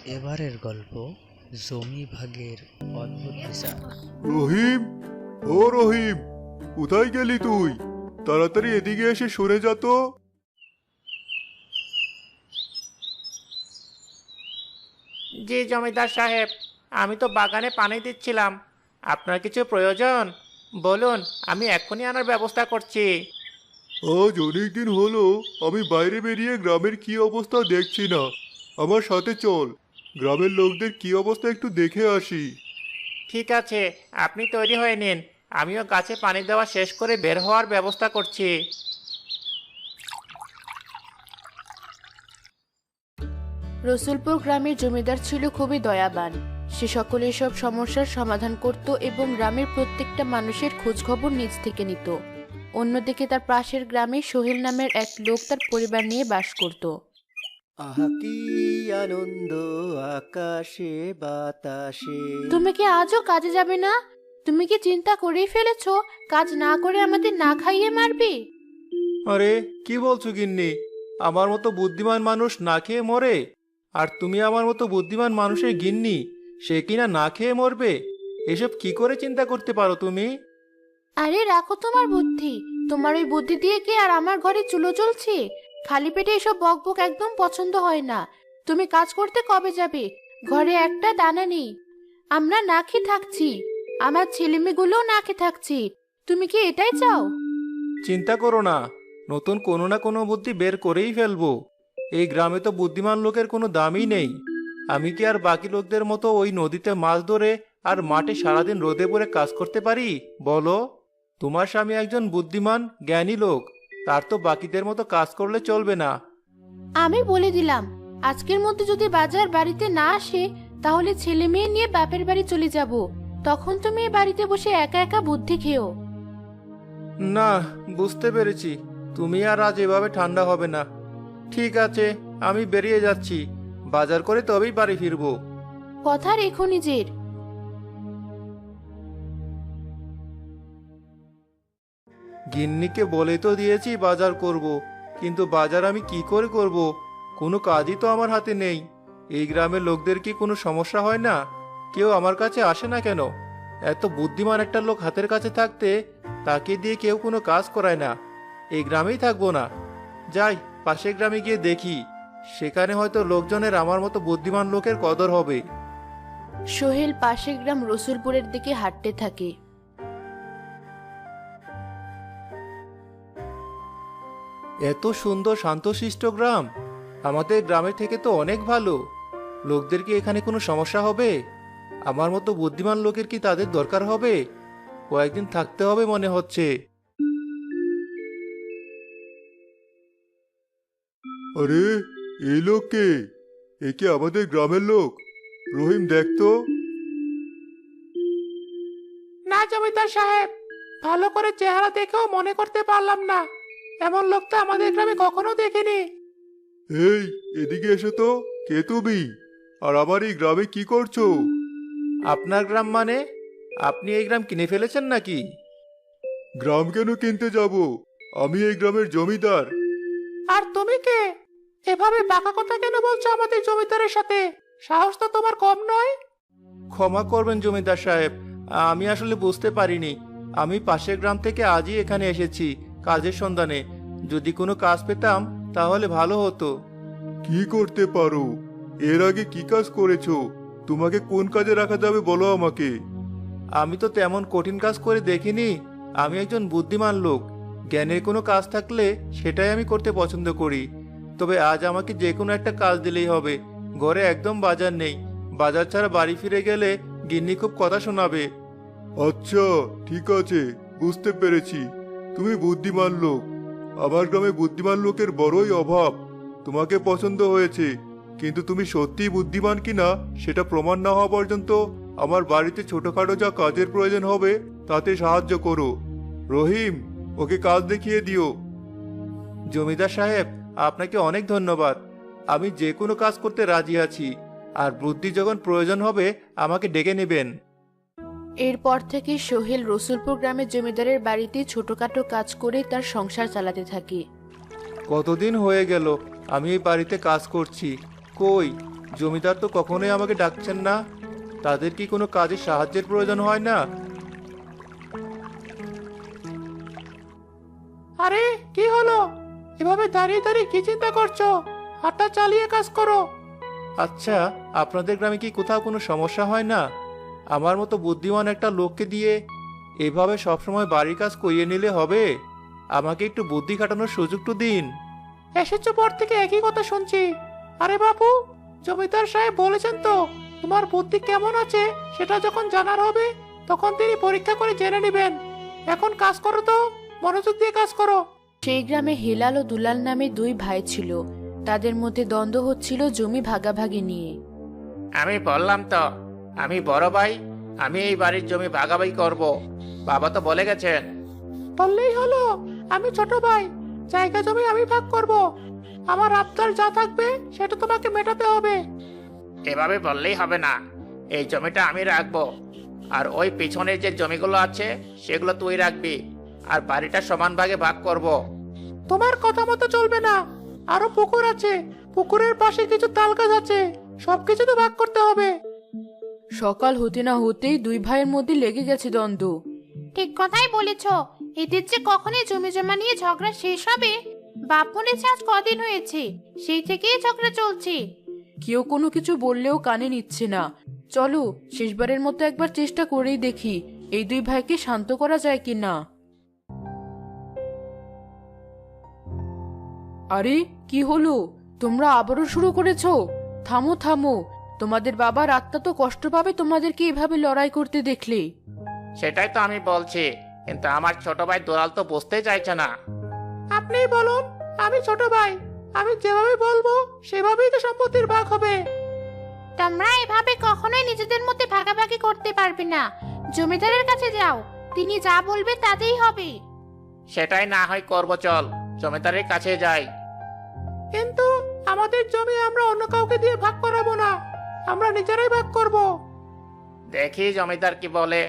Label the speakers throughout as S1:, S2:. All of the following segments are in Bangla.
S1: এবারের গল্প জমি ভাগের অদ্ভুত বিচার।
S2: রহিম, ও রহিম, কোথায় গেলি তুই? তাড়াতাড়ি এদিকে এসে সরে যা তো।
S3: জি জমিদার সাহেব, আমি তো বাগানে পানি দিচ্ছিলাম। আপনার কিছু প্রয়োজন বলুন, আমি এক্ষুনি আনার ব্যবস্থা করছি।
S2: আজ অনেকদিন হলো আমি বাইরে বেরিয়ে গ্রামের কি অবস্থা দেখছি না। আমার সাথে চল, গ্রামের লোকদের কি অবস্থা একটু দেখে আসি।
S3: ঠিক আছে, আপনি তৈরি হয়ে নিন, আমিও গাছে পানি দেওয়া শেষ করে বের হওয়ার ব্যবস্থা করছি।
S4: রসুলপুর গ্রামের জমিদার ছিল খুবই দয়াবান। সে সকলের সব সমস্যার সমাধান করত এবং গ্রামের প্রত্যেকটা মানুষের খোঁজখবর নিজ থেকে নিত। অন্যদিকে তার পাশের গ্রামে সোহেল নামের এক লোক তার পরিবার নিয়ে বাস করত।
S5: আহা কি আনন্দ আকাশে বাতাসে।
S4: তুমি কি আজও কাজে যাবে না? তুমি কি চিন্তা করেই ফেলেছো কাজ না করে আমাদের না খাইয়ে মারবে?
S3: আরে কি বলছো গিন্নি, আমার মতো বুদ্ধিমান মানুষ না খেয়ে মরে, আর তুমি আমার মতো বুদ্ধিমান মানুষের গিন্নি, সে কিনা না খেয়ে মরবে? এসব কি করে চিন্তা করতে পারো তুমি?
S4: আরে রাখো তোমার বুদ্ধি। তোমার ওই বুদ্ধি দিয়ে কি আর আমার ঘরে চুলো জ্বলছে? খালি পেটে এসব বকবক একদম পছন্দ হয় না। তুমি কাজ করতে কবে যাবে? ঘরে একটা দানা নেই, আমরা না খেয়ে থাকছি, আমার ছেলেমেয়েগুলোও না খেয়ে থাকছি। তুমি কি এটাই চাও?
S3: চিন্তা করো না, নতুন কোনো না কোনো বুদ্ধি বের করেই ফেলবো। এই গ্রামে তো বুদ্ধিমান লোকের কোনো দামই নেই। আমি কি আর বাকি লোকদের মতো ওই নদীতে মাছ ধরে আর মাঠে সারাদিন রোদে পড়ে কাজ করতে পারি বলো? তোমার স্বামী একজন বুদ্ধিমান জ্ঞানী লোক, তার তো বাকিদের মতো কাজ করলে চলবে না।
S4: আমি বলে দিলাম, আজকের মধ্যে যদি বাজার বাড়িতে না আসে তাহলে ছেলে মেয়ে নিয়ে বাপের বাড়ি চলে যাব। তখন তুমি এই বাড়িতে বসে একা একা বুদ্ধি খেও।
S3: না, বুঝতে পেরেছি, তুমি আর আজ এভাবে ঠান্ডা হবে না। ঠিক আছে, আমি বেরিয়ে যাচ্ছি, বাজার করে তবেই বাড়ি ফিরবো।
S4: কথা রেখো নিজের।
S3: গিন্নিকে বলে তো দিয়েছি বাজার করব, কিন্তু বাজার আমি কি করে করব? কোনো কাজই তো আমার হাতে নেই। এই গ্রামের লোকদের কি কোনো সমস্যা হয় না? কেউ আমার কাছে আসে না কেন? এত বুদ্ধিমান একটা লোক হাতের কাছে থাকতে তাকে দিয়ে কেউ কোনো কাজ করায় না। এই গ্রামেই থাকবো না, যাই পাশের গ্রামে গিয়ে দেখি, সেখানে হয়তো লোকজনের আমার মতো বুদ্ধিমান লোকের কদর হবে।
S4: সোহেল পাশের গ্রাম রসুলপুরের দিকে হাঁটতে থাকে।
S3: এত সুন্দর শান্তশিষ্ট গ্রাম, আমাদের গ্রামের থেকে তো অনেক ভালো। লোকদের কি এখানে কোনো সমস্যা হবে? আমার মতো বুদ্ধিমান লোকের কি তাদের দরকার হবে? কয়েকদিন থাকতে হবে মনে হচ্ছে।
S2: আরে, এই লোক কে? এ কি আমাদের গ্রামের লোক? রহিম, দেখ তো।
S3: না জমিদার সাহেব, ভালো করে চেহারা দেখেও মনে করতে পারলাম না। এমন লোক তো আমাদের গ্রামে কখনো দেখিনি।
S2: এই, এদিকে এসো তো। কে তুমি? আর আমার এই গ্রামে কি করছো?
S3: আপনার গ্রাম মানে? আপনি এই গ্রাম কিনে ফেলেছেন নাকি?
S2: গ্রাম কেন কিনতে যাব? আমি এই গ্রামের জমিদার।
S3: আর তুমি কে? এভাবে বাঁকা কথা কেন বলছো আমাদের জমিদারের সাথে? সাহস তো তোমার কম নয়। ক্ষমা করবেন জমিদার সাহেব, আমি আসলে বুঝতে পারিনি। আমি পাশের গ্রাম থেকে আজই এখানে এসেছি কাজের সন্ধানে। যদি কোনো কাজ পেতাম তাহলে ভালো হতো।
S2: কি করতে পারো? এর আগে কি কাজ করেছো? তোমাকে কোন কাজে রাখা যাবে বলো আমাকে।
S3: আমি তো তেমন কঠিন কাজ করে দেখিনি। আমি একজন বুদ্ধিমান লোক, জ্ঞানের কোনো কাজ থাকলে সেটাই আমি করতে পছন্দ করি। তবে আজ আমাকে যে কোনো একটা কাজ দিলেই হবে। ঘরে একদম বাজার নেই, বাজার ছাড়া বাড়ি ফিরে গেলে গিন্নি খুব কথা শোনাবে।
S2: আচ্ছা, ঠিক আছে, বুঝতে পেরেছি। তুমি বুদ্ধিমান লোক। আমার গ্রামে বুদ্ধিমান লোকের বড়ই অভাব। তোমাকে পছন্দ হয়েছে, কিন্তু তুমি সত্যিই বুদ্ধিমান কিনা সেটা প্রমাণ না হওয়া পর্যন্ত আমার বাড়িতে ছোটখাটো যা কাজের প্রয়োজন হবে তাতে সাহায্য করো। রহিম, ওকে কাজ দেখিয়ে দিও।
S3: জমিদার সাহেব, আপনাকে অনেক ধন্যবাদ। আমি যে কোনো কাজ করতে রাজি আছি, আর বুদ্ধি যখন প্রয়োজন হবে আমাকে ডেকে নেবেন।
S4: এরপর থেকে সোহেল রসুলপুর গ্রামের জমিদারের বাড়িতে ছোটখাটো কাজ করে তার সংসার চালাতে থাকে।
S3: কতদিন হয়ে গেল আমি এই বাড়িতে কাজ করছি, কই জমিদার তো কখনোই আমাকে ডাকছেন না। তাদের কি কোনো কাজে সাহায্যের প্রয়োজন হয় না? আরে কি হলো? এভাবে দাঁড়িয়ে দাঁড়িয়ে কি চিন্তা করছো? হাতটা চালিয়ে কাজ করো। আচ্ছা, আপনাদের গ্রামে কি কোথাও কোনো সমস্যা হয় না? আমার মতো বুদ্ধিমান একটা লোককে দিয়ে এভাবে সবসময় বাড়ির কাজ করিয়ে নিলে হবে? আমাকে একটু বুদ্ধি খাটানোর সুযোগ তো দিন। এসেছো পর থেকে একই কথা শুনছি। আরে বাপু, জমিদার সাহেব বলেছেন তো তোমার বুদ্ধি কেমন আছে সেটা যখন জানার হবে তখন তিনি পরীক্ষা করে জেনে নেবেন। এখন কাজ করো তো, মনোযোগ দিয়ে কাজ করো।
S4: সেই গ্রামে হেলাল ও দুলাল নামে দুই ভাই ছিল। তাদের মধ্যে দ্বন্দ্ব হচ্ছিল জমি ভাগাভাগি নিয়ে।
S6: আমি বললাম তো, আমি বড় ভাই, আমি এই বাড়ির জমি ভাগাভাগি করব। বাবা তো বলে গেছেন।
S3: বললেই হলো, আমি ছোট ভাই, জায়গা জমি আমি ভাগ করব। আমার আবদার যা থাকবে সেটা তোমাকে মেটাতে হবে।
S6: এভাবে বললেই হবে না, এই জমিটা আমি রাখবো, আর ওই পিছনের যে জমিগুলো আছে সেগুলো তুই রাখবি, আর বাড়িটা সমান ভাগে ভাগ করব।
S3: তোমার কথা মতো চলবে না। আরো পুকুর আছে, পুকুরের পাশে কিছু তাল গাছ আছে, সবকিছু তো ভাগ করতে হবে।
S4: সকাল হতে না হতেই দুই ভাইয়ের মধ্যে লেগে গেছে দ্বন্দ্ব। ঠিক কথাই বলেছ। এদের যে কখনই জমি জমা নিয়ে ঝগড়া শেষ হবে? বাপ মরেছে আজ কদিন হয়েছে, সেই থেকেই ঝগড়া চলছে। কেউ কোনো কিছু বললেও কানে নিচ্ছে না। চলো শেষবারের মতো একবার চেষ্টা করেই দেখি এই দুই ভাইকে শান্ত করা যায় কিনা। আরে কি হলো? তোমরা আবারও শুরু করেছো? থামো থামো, তোমাদের বাবার আত্মা তো কষ্ট পাবে তোমাদেরকে এভাবে লড়াই করতে দেখলে।
S6: সেটাই তো আমি বলছি, কিন্তু আমার ছোট ভাই দুলাল তো বুঝতেই চাইছে না।
S3: আপনিই বলুন, আমি ছোট ভাই, আমি যেভাবে বলবো সেভাবেই তো সম্পত্তির ভাগ হবে।
S4: তোমরা এভাবে কখনোই নিজেদের মধ্যে ভাগাভাগি করতে পারবে না। জমিদারের কাছে যাও, তিনি যা বলবে তাতেই হবে।
S6: সেটাই না হয় করবো, চল জমিদারের কাছে যাই।
S3: কিন্তু আমাদের জমি আমরা অন্য কাউকে দিয়ে ভাগ করাবো না, আমরা নিজেরাই ভাগ করব।
S6: দেখি জমিদার কি বলে।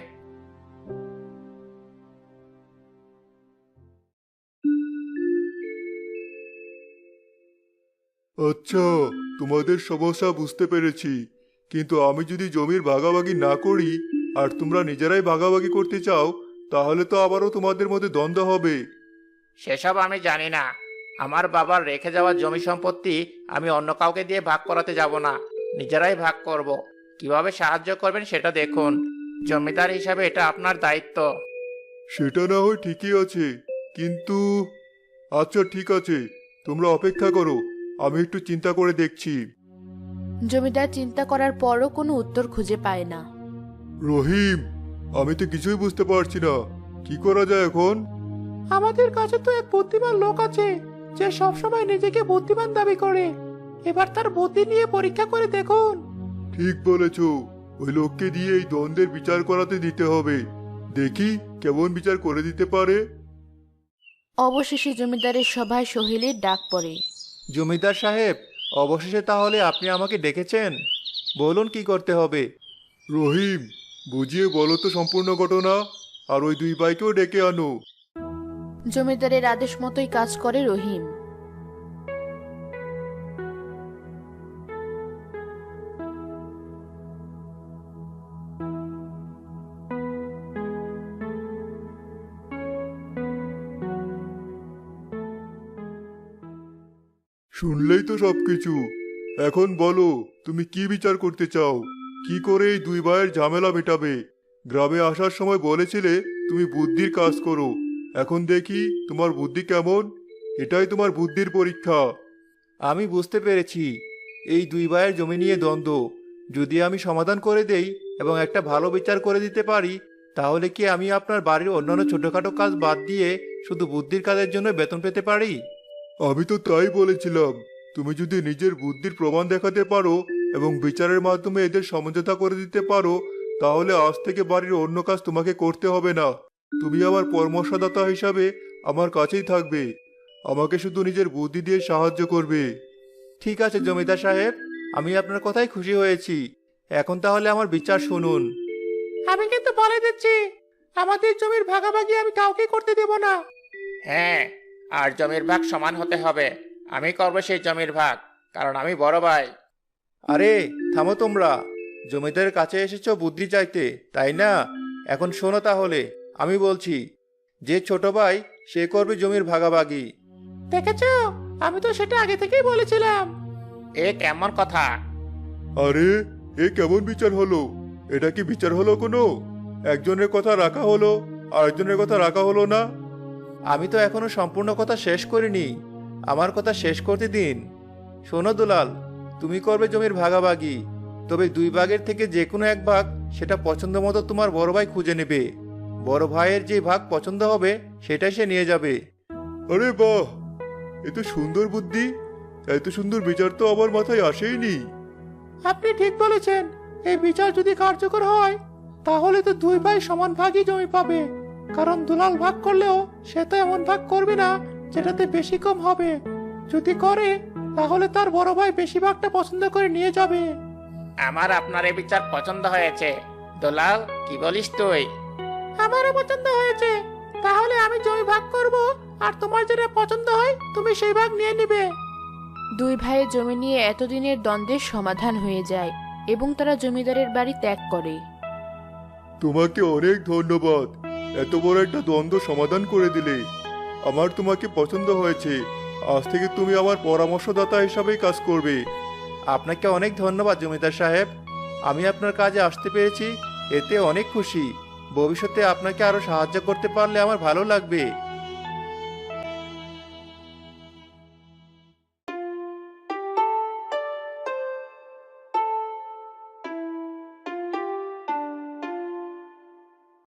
S2: আচ্ছা, তোমাদের সমস্যা বুঝতে পেরেছি, কিন্তু আমি যদি জমির ভাগাভাগি না করি আর তোমরা নিজেরাই ভাগাভাগি করতে চাও, তাহলে তো আবারও তোমাদের মধ্যে দ্বন্দ্ব হবে।
S6: সেসব আমি জানি না। আমার বাবার রেখে যাওয়া জমি সম্পত্তি আমি অন্য কাউকে দিয়ে ভাগ করাতে যাব না, নিজেরাই ভাগ করব। কিভাবে সাহায্য করবেন সেটা দেখুন। জমিদার হিসাবে এটা আপনার দায়িত্ব।
S2: সেটা না হয় ঠিকই আছে, কিন্তু আচ্ছা ঠিক আছে, তোমরা অপেক্ষা করো, আমি একটু চিন্তা করে দেখছি।
S4: জমিদার চিন্তা করার পরও কোনো উত্তর খুঁজে পায় না।
S2: রহিম, আমি তো কিছুই বুঝতে পারছি না, কি করা যায় এখন?
S3: আমাদের কাছে তো এক বুদ্ধিমান লোক আছে যে সবসময় নিজেকে বুদ্ধিমান দাবি করে। এবার তার বুদ্ধি নিয়ে পরীক্ষা করে দেখুন।
S2: ঠিক বলেছ, ওই লোককে দিয়ে এই দ্বন্দ্বের বিচার করাতে দিতে হবে। দেখি কেমন বিচার করে দিতে পারে।
S4: অবশেষে জমিদারের সভায় সোহেলের ডাক পড়ে।
S3: জমিদার সাহেব, অবশেষে তাহলে আপনি আমাকে ডেকেছেন, বলুন কি করতে হবে।
S2: রহিম, বুঝিয়ে বলো তো সম্পূর্ণ ঘটনা, আর ওই দুই ভাইকেও ডেকে আনো।
S4: জমিদারের আদেশ মতোই কাজ করে রহিম।
S2: শুনলেই তো সবকিছু। এখন বলো, তুমি কি বিচার করতে চাও? কি করে এই দুই ভাইয়ের ঝামেলা মেটাবে? গ্রামে আসার সময় বলেছিলে তুমি বুদ্ধির কাজ করো, এখন দেখি তোমার বুদ্ধি কেমন। এটাই তোমার বুদ্ধির পরীক্ষা।
S3: আমি বুঝতে পেরেছি, এই দুই ভাইয়ের জমি নিয়ে দ্বন্দ্ব যদি আমি সমাধান করে দেই এবং একটা ভালো বিচার করে দিতে পারি, তাহলে কি আমি আপনার বাড়ির অন্যান্য ছোটখাটো কাজ বাদ দিয়ে শুধু বুদ্ধির কাজের জন্য বেতন পেতে পারি?
S2: আমি তো তাই বলেছিলাম, তুমি যদি নিজের বুদ্ধির প্রমাণ দেখাতে পারো এবং বিচারের মাধ্যমে এদের সমঝোতা করে দিতে পারো, তাহলে আজ থেকে বাড়ির অন্য কাজ তোমাকে করতে হবে না। তুমি আমার পরামর্শদাতা হিসাবে আমার কাছেই থাকবে, আমাকে শুধু নিজের বুদ্ধি দিয়ে সাহায্য করবে।
S3: ঠিক আছে জমিদার সাহেব, আমি আপনার কথাই খুশি হয়েছি। এখন তাহলে আমার বিচার শুনুন। আমি কিন্তু বলে দিচ্ছি, আমাদের জমির ভাগাভাগি আমি কাউকে করতে দেব না।
S6: হ্যাঁ, আর জমির ভাগ সমান হতে হবে। আমি করবো সেই জমির ভাগ, কারণ আমি বড় ভাই।
S3: আরে থামো তোমরা, জমিদারের কাছে এসেছো বুদ্ধি চাইতে তাই না? এখন শোনো তাহলে, আমি বলছি, যে ছোট ভাই সে করবে জমির ভাগাভাগি।
S6: দেখেছো, আমি তো সেটা আগে থেকেই বলেছিলাম। এ কেমন কথা?
S2: আরে এ কেমন বিচার হলো? এটা কি বিচার হলো কোনো? একজনের কথা রাখা হলো, আরেকজনের কথা রাখা হলো না।
S3: আমি তো এখনো সম্পূর্ণ কথা শেষ করিনি, আমার কথা শেষ করতে দিন। শোনো দুলাল, তুমি করবে জমির ভাগাভাগি, তবে 2 ভাগের থেকে যে কোনো এক ভাগ সেটা পছন্দ মতো তোমার বড় ভাই খুঁজে নেবে। বড় ভাইয়ের যে ভাগ পছন্দ হবে সেটাই সে নিয়ে যাবে।
S2: আরে বাহ, এ তো সুন্দর বুদ্ধি। এত সুন্দর বিচার তো আমার মাথায় আসেইনি।
S6: আপনি ঠিক বলেছেন, এই বিচার যদি কার্যকর হয় তাহলে তো 2 ভাই সমান ভাগই জমি পাবে। কারণ দুলাল ভাগ করলেও সে তো এমন ভাগ করবে না যেটাতে বেশি কম হবে। যদি করে তাহলে তার বড় ভাই বেশি ভাগটা পছন্দ করে নিয়ে যাবে। আমার আপনার এই বিচার পছন্দ হয়েছে। দুলাল, কি বলিস তুই? আমারও পছন্দ হয়েছে। তাহলে আমি জমি ভাগ করব, আর তোমার যেটা পছন্দ হয় তুমি সেই ভাগ নিয়ে নিবে।
S4: 2 ভাইয়ের জমি নিয়ে এতদিনের দ্বন্দ্বের সমাধান হয়ে যায় এবং তারা জমিদারের বাড়ি ত্যাগ করে।
S2: তোমাকে অনেক ধন্যবাদ, এত বড় একটা দ্বন্দ্ব সমাধান করে দিলে। আমার তোমাকে পছন্দ হয়েছে। আজ থেকে তুমি আমার পরামর্শদাতা হিসাবেই কাজ করবে।
S3: আপনাকে অনেক ধন্যবাদ জমিদার সাহেব, আমি আপনার কাজে আসতে পেরেছি, এতে অনেক খুশি। ভবিষ্যতে আপনাকে আরো সাহায্য করতে পারলে আমার ভালো লাগবে।